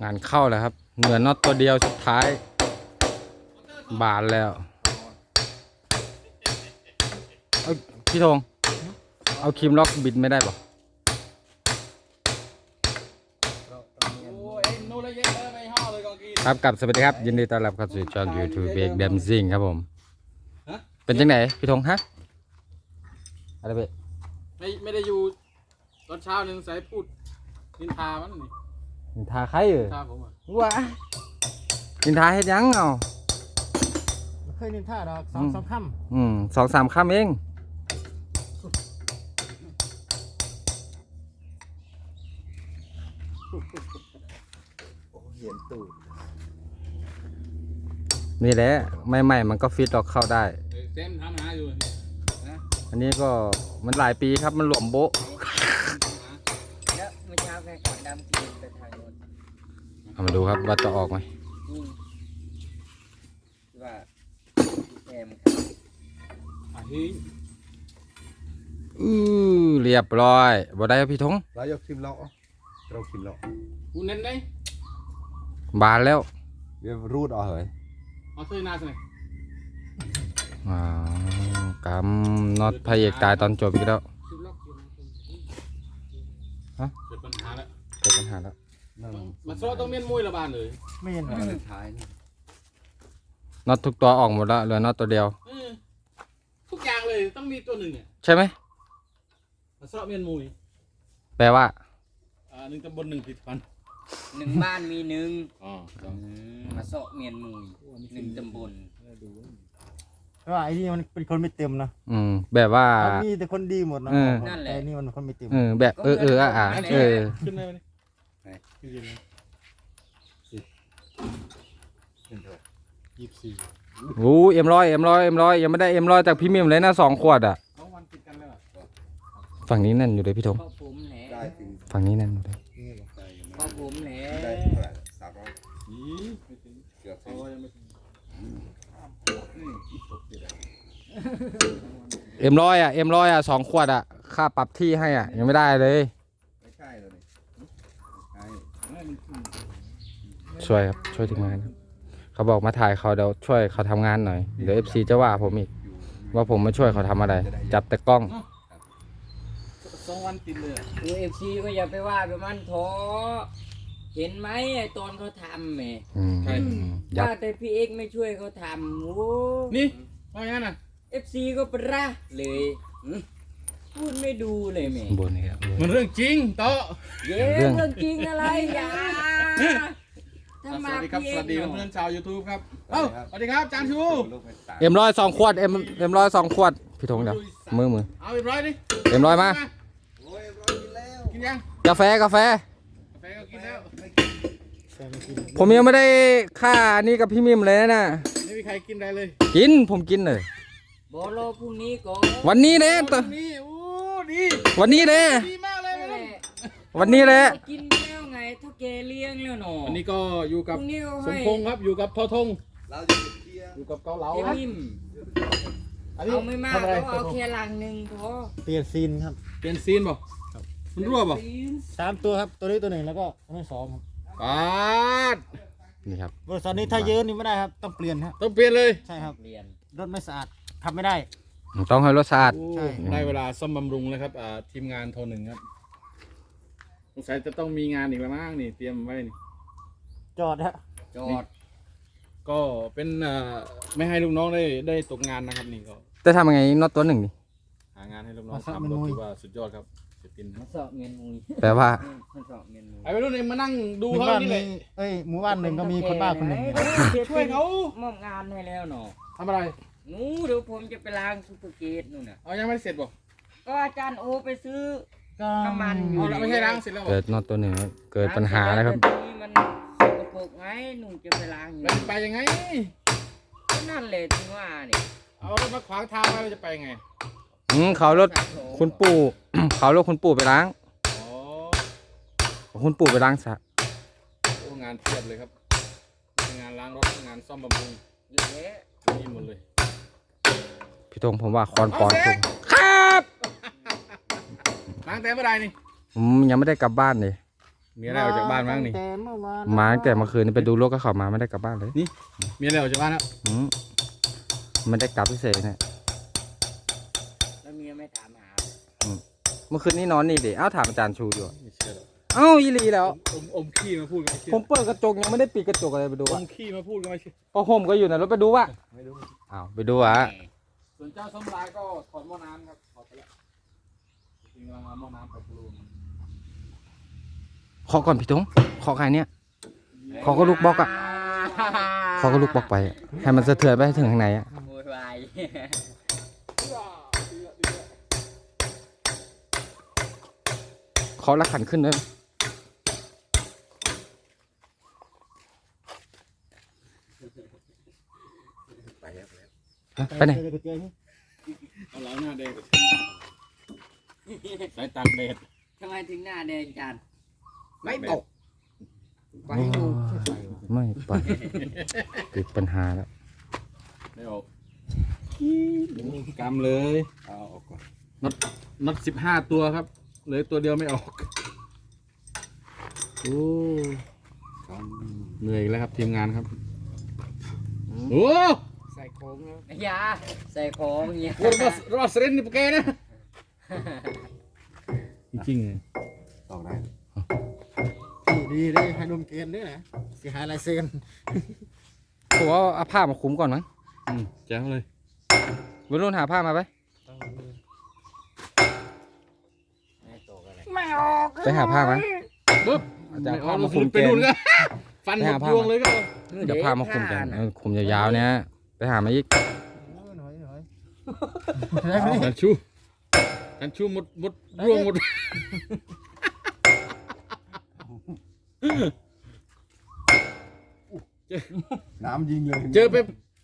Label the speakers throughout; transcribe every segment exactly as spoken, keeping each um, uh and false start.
Speaker 1: งานเข้าแล้วครับเหลือน็อตตัวเดียวสุดท้ายบานแล้วเอาพี่ธงเอาครีมล็อกบิดไม่ได้ป่ะครับกับสวัสดีครับยินดีต้อนรับเข้าสู่ช่อง YouTube เบรกแดมซิ่งครับผมเป็นจังไหนพี่ธงฮะอะไรเบ้
Speaker 2: ไม่ไม่ได้อยู่ตอนเช้านึงใส่พูดนินทามันนี่
Speaker 1: นินทาใครเออ
Speaker 2: นินทาผมอ่ะ
Speaker 1: ว้านินทาเฮ็ดยังเอา
Speaker 3: ไม่เคยนินทาดอกสองสามคำ
Speaker 1: อืมสองสามคำเอง
Speaker 3: เห็นตูด
Speaker 1: นี่แหละใหม่ๆมันก็ฟิตออกเข้าได้
Speaker 2: เต็มทำหาอยู่นะ
Speaker 1: อันนี้ก็มันหลายปีครับมันหลวมโบ๊ะ
Speaker 4: แล้วเมื่อเช้าแค่ก่อนดำกินไปทางโน้น
Speaker 1: เอามาดูครับว่าจะออกไหม
Speaker 4: ว่าแอม
Speaker 2: อ่ะที่
Speaker 1: อือเรียบร้อยบ่ได้ครับพี่ธง
Speaker 3: เรายกคิมเลาะเราคิมเลาะ
Speaker 2: กูเน้นได้
Speaker 1: บานแล้ว
Speaker 3: เดี๋ยวรูดเอาเหรอ
Speaker 2: เอาเสื้อหน้าสิ
Speaker 1: อ่ากำน็อตพระเอกตายตอนจบอีกแล้วฮะ
Speaker 2: เกิดปัญหาแล้ว
Speaker 1: เกิดปัญหาแล้ว
Speaker 2: มาโซ่ต้องเมียนมวยระบาดเลย
Speaker 3: ไม่เห็นเหรอท้าย
Speaker 1: น็อตทุกตัวออกหมดแล้วเหลือน็อตตัวเดียว
Speaker 2: ทุกอย่างเลยต้องมีตัวหนึ่งอ่ะ
Speaker 1: ใช่ไหม
Speaker 2: มาโซ่เมียนมวย
Speaker 1: แปลว่า
Speaker 2: อ่าหนึ่งตำบลหนึ่งผิดพัน
Speaker 4: หนึ่งบ้านมีหนึ่ง
Speaker 2: อ๋อ
Speaker 4: มาโซเมียนมุยหนึ่งตำบล
Speaker 3: เพราะว่าไอ้นี่มันเป็นคนไม่เต็มนะ
Speaker 1: อืมแบบว่า
Speaker 3: มีแต่คนดีหมดนะแต่นี่มันคนไม่เต็ม
Speaker 1: เออแบบเออเอออ่ะอ่ะเออ
Speaker 2: ขึ้นได้ไหมยี่สิบสี่
Speaker 1: โอ้เอ็มร้อยเอ็มร้อยเอ็มร้อยยังไม่ได้เอ็มร้อยจากพี่มิมเลยนะสองขวดอ่ะฝั่งนี้นั่นอยู่เลยพี่ธงฝั่งนี้นั่นอยู่เลย
Speaker 4: พ่อผมแหละ
Speaker 1: เอ็มร้อยอ่ะเอ็มร้อยอ่ะสองขวดอ่ะค่าปรับที่ให้อ่ะยังไม่ได้เลยช่วยครับช่วยทีมงานเขาบอกมาถ่ายเขาเดี๋ยวช่วยเขาทำงานหน่อยเดี๋ยวเอฟซีจะว่าผมอีกว่าผมมาช่วยเขาทำอะไรจับแต่กล้อง
Speaker 2: สองวันติดเลย
Speaker 4: ดูเอฟซีก็อย่าไปว่าไปมันท้อเห็นไหมไอ้ตอนเขาทำแหมว่าแต่พี่เอกไม่ช่วยเขาทำโอ้
Speaker 2: นี่ว่าอย่างนั้นน่ะ
Speaker 4: เอฟซีก็ประระเลยพูดไม่ดูเลยแม่
Speaker 1: บนนี่ครับ
Speaker 2: มันเรื่องจริงโต
Speaker 4: เย้เรื่องจริงอะไรอย่า
Speaker 2: สวัสดีครับสวัสดีเพื่อนๆชาว YouTube ครับเอ้าสวัสดีครับจานชู
Speaker 1: เอ็มร้อยสองขวดเอ็มเอ็มร้อยสองขวดพี่ธงเดี๋ยวมือมือ
Speaker 2: เอาเอ็มร้อยดิ
Speaker 1: เอ็มร้อยมา
Speaker 2: กินยัง
Speaker 1: กาแฟกาแฟ
Speaker 2: กาแฟก็กินแล้ว
Speaker 1: ผมยังไม่ได้ค่านี้กับพี่มิมเลยนะ
Speaker 2: ไม่มีใครกินได้เลย
Speaker 1: กินผมกินเลย
Speaker 4: บอลพรุ่งนี้ก่อน
Speaker 1: วันนี้เด้
Speaker 2: ตอนนี้โอ้ดี
Speaker 1: วันนี้เด้
Speaker 2: ดีมากเลย
Speaker 1: วันนี้แหละ
Speaker 4: กินแล้วไงเท่าแกเลี้ยงแล้วหนอ
Speaker 2: วันนี้ก็อยู่กับสมพงษ์ครับอยู่กับทอทงอยู่กับเกาเหลาครับ
Speaker 4: เอาไม่มากก็เอาแค่ลังหนึ่งพอ
Speaker 3: เปลี่ยนซีนครับ
Speaker 2: เปลี่ยนซีนบ่มันรั่วบ่
Speaker 3: สามตัวครับตัวนี้ตัวหนึ่งแล้วก็ไม่สองครับ
Speaker 2: ปาด
Speaker 1: นี่ครับ
Speaker 3: บริษัทนี้ถ้าเยอะนี่ไม่ได้ครับต้องเปลี่ยนครับ
Speaker 2: ต้องเปลี่ยนเลย
Speaker 3: ใช่ครับเปลี่ยนรถไม่สะอาดทำไม่ได้
Speaker 1: ต้องให้รถสะอาด
Speaker 2: ใช่ได้เวลาซ่อมบำรุงแล้วครับทีมงานโทรหนึ่งครับสงสัยจะต้องมีงานอีกแล้วมั้งนี่เตรียมไว้นี่
Speaker 3: จอดฮะ
Speaker 4: จอด
Speaker 2: ก็เป็นไม่ให้ลูกน้องได้ได้ตกงานนะครับนี่ก็
Speaker 1: จะทำยังไงน็อตตัวหนึ่งนี่
Speaker 2: หางานให้ลูกน้องทำก็ถือว่าสุดยอดครับเสร็จกิน
Speaker 4: มาสอบเมียนมุย
Speaker 1: แปลว่า
Speaker 2: ไอ้ไปรุ่นเองมานั่งดูเขานี่เลย
Speaker 3: เอ้ยหมู่บ้านหนึ่งก็มีคนบ้าคนหนึ่ง
Speaker 4: ช่วยเขามอบงานให้แล้วเนาะ
Speaker 2: ทำอะไร
Speaker 4: นู้เดี๋ยวผมจะไปล้างซูเปอร์เกตนู่นน่ะ
Speaker 2: เอายังไม่เสร็จบ่
Speaker 4: ก็อาจารย์โอไปซื้อน้ำมัน
Speaker 2: อยู่ไม่ใช่ล้างเสร็จแล้ว
Speaker 1: เกิดน็อตตัวหนึ่งเกิดปัญหาแล้วครับ
Speaker 4: นี่มันสกปรกไงหนูจะไปล้างอยู่
Speaker 2: มันไปยังไง
Speaker 4: ก็นั่นเลยที่ว่านี่
Speaker 2: เอารถมาขวางทางไว้จะไปไง
Speaker 1: อืมเขารถคุณปู่เขารถคุณปู่ไปล้างคุณปู่ไปล้างสระ
Speaker 2: โอ้งานเทียบเลยครับงานล้างรถงานซ่อมบำรุง
Speaker 4: เยอะแยะ
Speaker 2: มีหมดเลย
Speaker 1: พี่ธงผมว่าคอนปอนผมครับ
Speaker 2: ล้างแต่เมื่อไรนี่
Speaker 1: ผมยังไม่ได้กลับบ้านเลย
Speaker 2: มีอะไรออกจากบ้านบ้างนี่
Speaker 3: แต่เมื่อวาน
Speaker 1: มาตั้งแต่เมื่อคืนนี่ไปดูรถก็เขามาไม่ได้กลับบ้านเลย
Speaker 2: มีอะไรออกจากบ้านแล้ว
Speaker 1: อืมไม่ได้กลับพิเศษเนี่ย
Speaker 4: แล้วเมียไม่ถามหา
Speaker 1: เมื่อคืนนี้นอนนี่ดิเอ้าถามอาจารย์ชูอยู่
Speaker 2: ไม่เชื่อหรอก
Speaker 1: เอ้าอีหลีแล้ว
Speaker 2: อมอมขี้มาพูดกันไม่เชื่อ
Speaker 1: ผมเปิดกระจกยังไม่ได้ปิดกระจกอะไรไปดู
Speaker 2: อ
Speaker 1: วะ
Speaker 2: มขี้มาพูดกันไม่เชื่อ
Speaker 1: พอห่มก็อยู่ในรถไปดูวะ
Speaker 2: ไม่รู้
Speaker 1: อ้าวไปดูวะ
Speaker 2: ส่วนเจ้าส้มลายก็ถอดหม้อน้ำครับถอดไปแล้วจริงๆกำลังเอาหม้อน้ำไปปรุง
Speaker 1: ขอก่อนพี่ทงขอใครเนี่ย ขอก็ลูกบล็อกอะ ขอก็ลูกบล็อกไปอะให้มันสะเทือนไปให้ถึงข้างในอะ
Speaker 4: โวยวาย
Speaker 1: ขอละขันขึ้นด้วยฮะไปไหน
Speaker 3: เจอเจอนี่
Speaker 2: เอาล้างหน้าแดงสายตากแดด
Speaker 4: ทำไมถึงหน้าแดงจัด
Speaker 2: ไม่ตก
Speaker 4: ไปให้ดู
Speaker 1: ไม่ไปติดปัญหาแล้ว
Speaker 2: ไม่ออกกำเลยเอาออกก่อนน็อตน็อตสิบห้าตัวครับเหลยตัวเดียวไม่ออกโอ้เหนื่อยอีกแล้วครับทีมงานครับโอ้
Speaker 3: ใส่โค้งแล้ว
Speaker 4: อยาใส่ของเงี้ย
Speaker 2: รอสรอสเรนนี่ปะแกนะจริงๆเลย
Speaker 3: ตอกได้ดีดีให้ดมเกณฑ์ด้วยนะเสียหายลายเซ็น
Speaker 1: ผมว่าเอาผ้ามาคลุมก่อนมั้ง
Speaker 2: อืมแจ๋วเลย
Speaker 1: วัยรุ่นหาผ้ามาไป
Speaker 4: ไม่ตกอะไร
Speaker 1: ไปหาผ้ามา
Speaker 2: ปุ๊บ
Speaker 1: อาจารย์
Speaker 2: ไม่ออก
Speaker 1: พามา
Speaker 2: เรา
Speaker 1: คุม
Speaker 2: ไปนู่น
Speaker 1: เกณฑ์
Speaker 2: ก็ฟันหมดยวงเลยก็
Speaker 1: เดี๋ยวผ้ามาคลุมกันเออคลุมยาวๆเนี่ยไปหามาอีก
Speaker 3: หน่อยหน่อย
Speaker 2: จันชูจันชูหมดหมดยวงหมด
Speaker 3: น้ำยิงเลย
Speaker 2: เจอไป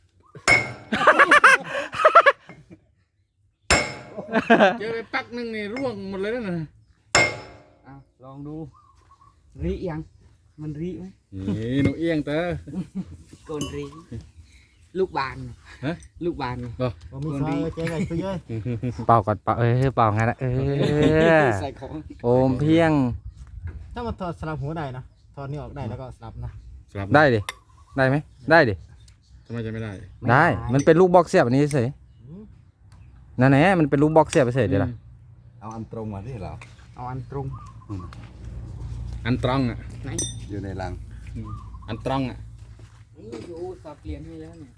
Speaker 2: เจอไปปักหนึ่งนี่ร่วงหมดเลยนะ
Speaker 4: อ่ะลองดูรียังมันรีไหม
Speaker 2: นี่หนูเอียงเตอ
Speaker 4: โกนรีลูกบาน
Speaker 2: ฮะ
Speaker 4: ลูกบาน
Speaker 3: ผมมีซอยเจ๊ไงไปเยอะ
Speaker 1: เป่าก่อนเป่าเออเป่างั้นนะเออ
Speaker 4: ใส่ของ
Speaker 1: โอมเพียง
Speaker 3: ถ้ามันถอดสลับหัวได้นะถอดนี่ออกได้แล้วก็สลับนะ
Speaker 2: ครับ
Speaker 1: ได้ดิได้ไหมได้ดิ
Speaker 2: ทำไมจะไม่ได้
Speaker 1: ได้ มันเป็นลูกบล็อกเสียบอันนี้เฉยนั่นแหละมันเป็นลูกบล็อกเสียบเฉยเดี๋ยวละ
Speaker 5: เอาอันตรงมาที่เรา
Speaker 4: เอาอันตรง
Speaker 2: อันตรองอ่ะ
Speaker 5: อยู่ในรัง
Speaker 2: อันตรองอ่ะ
Speaker 4: นี่อยู่สับเปลี่ยนให้แล้วเนี่ย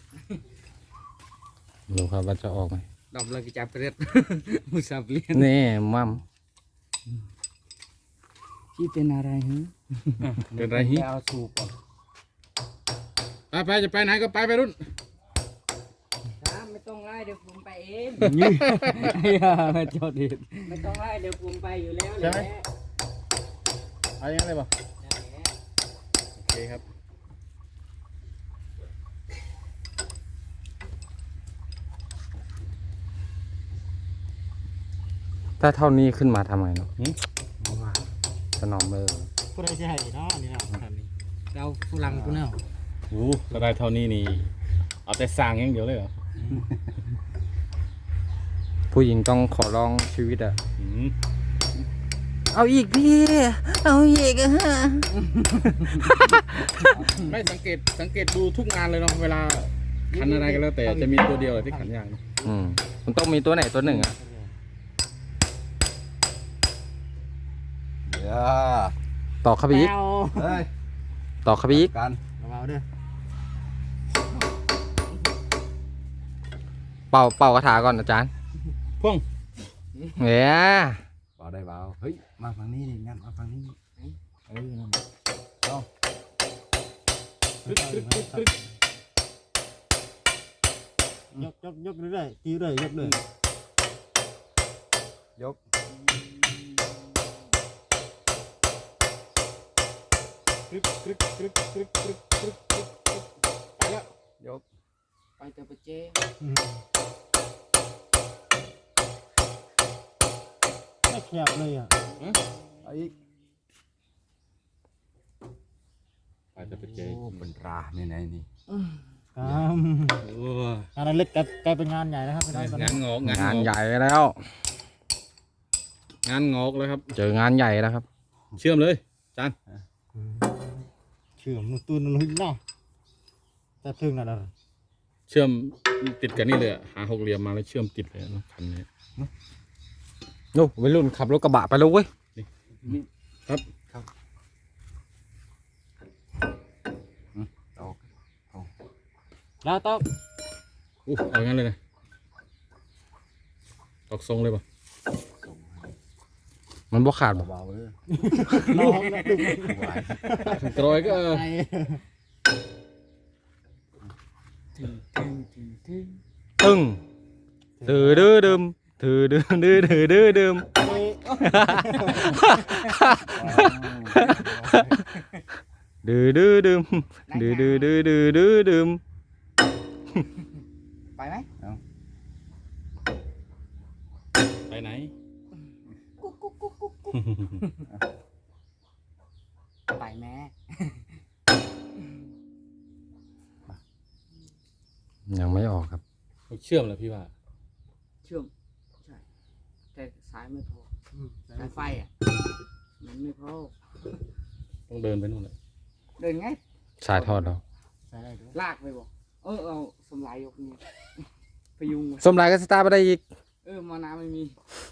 Speaker 1: ดูครับว่าจะออกไหม
Speaker 4: ดอกเลยจับเร็ด มุสับเปลี่ยน
Speaker 1: นี่มัม
Speaker 4: พี่เป็นอะไรฮะ
Speaker 2: เป็นไรฮิ
Speaker 4: ไปเอาสูบก่อน
Speaker 2: ไปไปจะไปไหนก็ไปไปรุ่น
Speaker 4: ครับไม่ต้องไล่เดี๋ยวผมไปเอง
Speaker 1: อย่าจอดดิ
Speaker 4: ไม่ต้องไล่เดี๋ยวผมไปอยู่แล้วแห
Speaker 2: ใช่
Speaker 4: ละ
Speaker 2: ไหม เอาอย่างไรบ่
Speaker 4: นั่นแหละ
Speaker 2: โอเคครับ
Speaker 1: ถ้าเท่านี้ขึ้นมาทำไงเนาะสนอมเบอร์
Speaker 3: ผู้ใดจะให้เนาะนี่เนาะคันนี้เราฝรั่งกูเนาะ
Speaker 2: โอ้ถ้าได้เท่านี้นี่ เอาแต่สร้างอย่างเดียวเลยเหรอ
Speaker 1: ผู้หญิงต้องขอร้องชีวิตอะ
Speaker 2: อืม
Speaker 1: เอาอีกพี่ เอาอีกอะฮะ
Speaker 2: ไม่สังเกตสังเกตดูทุกงานเลยเนาะเวลาขันอะไรก็แล้วแต่จะมีตัวเดียวเลยที่ขันยากนะ
Speaker 1: อืมมันต้องมีตัวไหนตัวหนึ่งอะ
Speaker 5: เดี๋ยว
Speaker 1: ต่อเข้าไปอีก
Speaker 5: เฮ้ย
Speaker 1: ต่อเข้าไปอีก
Speaker 5: กัน
Speaker 3: เบาๆเด้อ
Speaker 1: เป่าเป่ากระถาก่อนอาจารย์
Speaker 2: พ่วง
Speaker 1: เนี่ย
Speaker 5: เบาได้เบาเฮ้ยมาฝั่งนี้ดิงั้นมาฝั่งนี้เออนั่นเอา
Speaker 2: ตึ๊ดตึ๊ดตึ๊ดตึ๊ด
Speaker 3: ยกยกยกเรื่อยๆตีเรื่อยยกเลย
Speaker 5: ยก
Speaker 2: ตึ๊ดตึ๊ดตึ๊ดตึ๊ดตึ๊ดตึ๊ดตึ๊ดตึ๊ดไปแล้ว
Speaker 5: ยก
Speaker 4: ไปเตะปะเจ
Speaker 3: ไม่แคบเลยอ่ะ
Speaker 5: เอาอีก
Speaker 2: ไปจะไปเจ
Speaker 5: โอ้เป็นราในไหนนี่
Speaker 3: ครับ
Speaker 2: โอ้
Speaker 3: งานเล็กกลายเป็นงานใหญ่นะครับพี่น้องตอน
Speaker 2: งา
Speaker 3: นี้
Speaker 2: นงอกงาน
Speaker 1: งาน
Speaker 2: งอก
Speaker 1: ใหญ่แล้ว
Speaker 2: งานงอกแล้วครับ
Speaker 1: เจองานใหญ่แล้วครับ
Speaker 2: เชื่อมเลยจจาน
Speaker 3: เชื่อมนุ่นตูนนุ่นเนาะแต่ถึงนั่นน่ะ
Speaker 2: เชื่อมติดกันนี่เลยอะหาหกเหลี่ยมมาแล้วเชื่อมติดเลยนะคันนี้
Speaker 1: โอ้วัยรุ่นขับรถกระบะไปแล้วเว้ย
Speaker 2: ครับ
Speaker 5: ตอก
Speaker 3: แล้วต้อง
Speaker 2: อู้เอางั้นเลยนะตอกทรงเลยป่ะ
Speaker 1: มันบ่ขาดบ่
Speaker 5: เบาๆเลย
Speaker 3: น้องนะดึง
Speaker 5: ไหว
Speaker 2: กรอยก็เออ
Speaker 3: ไอ้
Speaker 4: ถึงถึงถึงถึง
Speaker 1: ตึ้งถือดื้อดึมถือดื้อดื้อถือดื้อดึมดื้อดื้อดึมดื้อดื้อดื้อดื้อดื้อดึม
Speaker 4: ไปไหม
Speaker 2: ไปไหน
Speaker 4: กุ๊กกุ๊กกุ๊กกุ๊กกุ๊กไปแม่
Speaker 1: ยังไม่ออกครับ
Speaker 2: เชื่อมเหรอพี่ว่า
Speaker 4: เชื่อมใช่แต่สายไม่พอสายไฟอ่ะมันไม่พอ
Speaker 2: ต้องเดินไปนู่นเลย
Speaker 4: เดินไง
Speaker 1: สายทอดแล้ว
Speaker 3: ใส่ได้ด้วย
Speaker 4: ลากไปบอกเออเอาสมลายยกนี่พยุงไว้
Speaker 1: สมรายก็สตาร์ทไปได้อีก
Speaker 4: เออมาน้ำไม่มี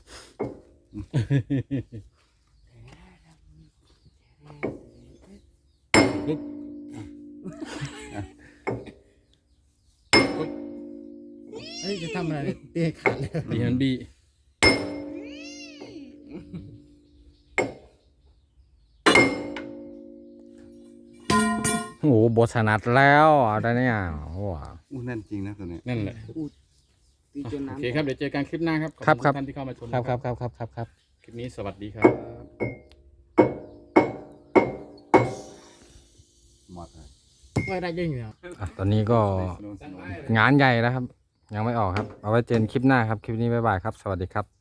Speaker 3: เฮ้ยจะทำอะไรเนี่ยเตะขาดเลย
Speaker 2: ดีฮันบี
Speaker 1: โอ้โหบทสนัดแล้วอะไรเนี่ยโอ้โห
Speaker 5: อู้แน่นจริงนะตัวเนี้ย
Speaker 2: นั่นแหละ
Speaker 4: ตีจน
Speaker 2: โอ
Speaker 4: น้ำ
Speaker 2: เคครับเดี๋ยวเจอกันคลิปหน้าครับขอ
Speaker 1: ครับ
Speaker 2: ณ
Speaker 1: ครับ
Speaker 2: ท่านที่เข้ามาชม
Speaker 1: ครับครับ
Speaker 2: นะครับ
Speaker 1: ครับครับครับ
Speaker 2: คลิปนี้สวัสดีครับ
Speaker 5: หมดเลย
Speaker 3: ไม่ได้ยิงเนี่ย
Speaker 1: อ่ะตอนนี้ก็งานใหญ่แล้วครับ ยังไม่ออกครับ เอาไว้เจอกันคลิปหน้าครับ คลิปนี้บ๊ายบายครับ สวัสดีครับ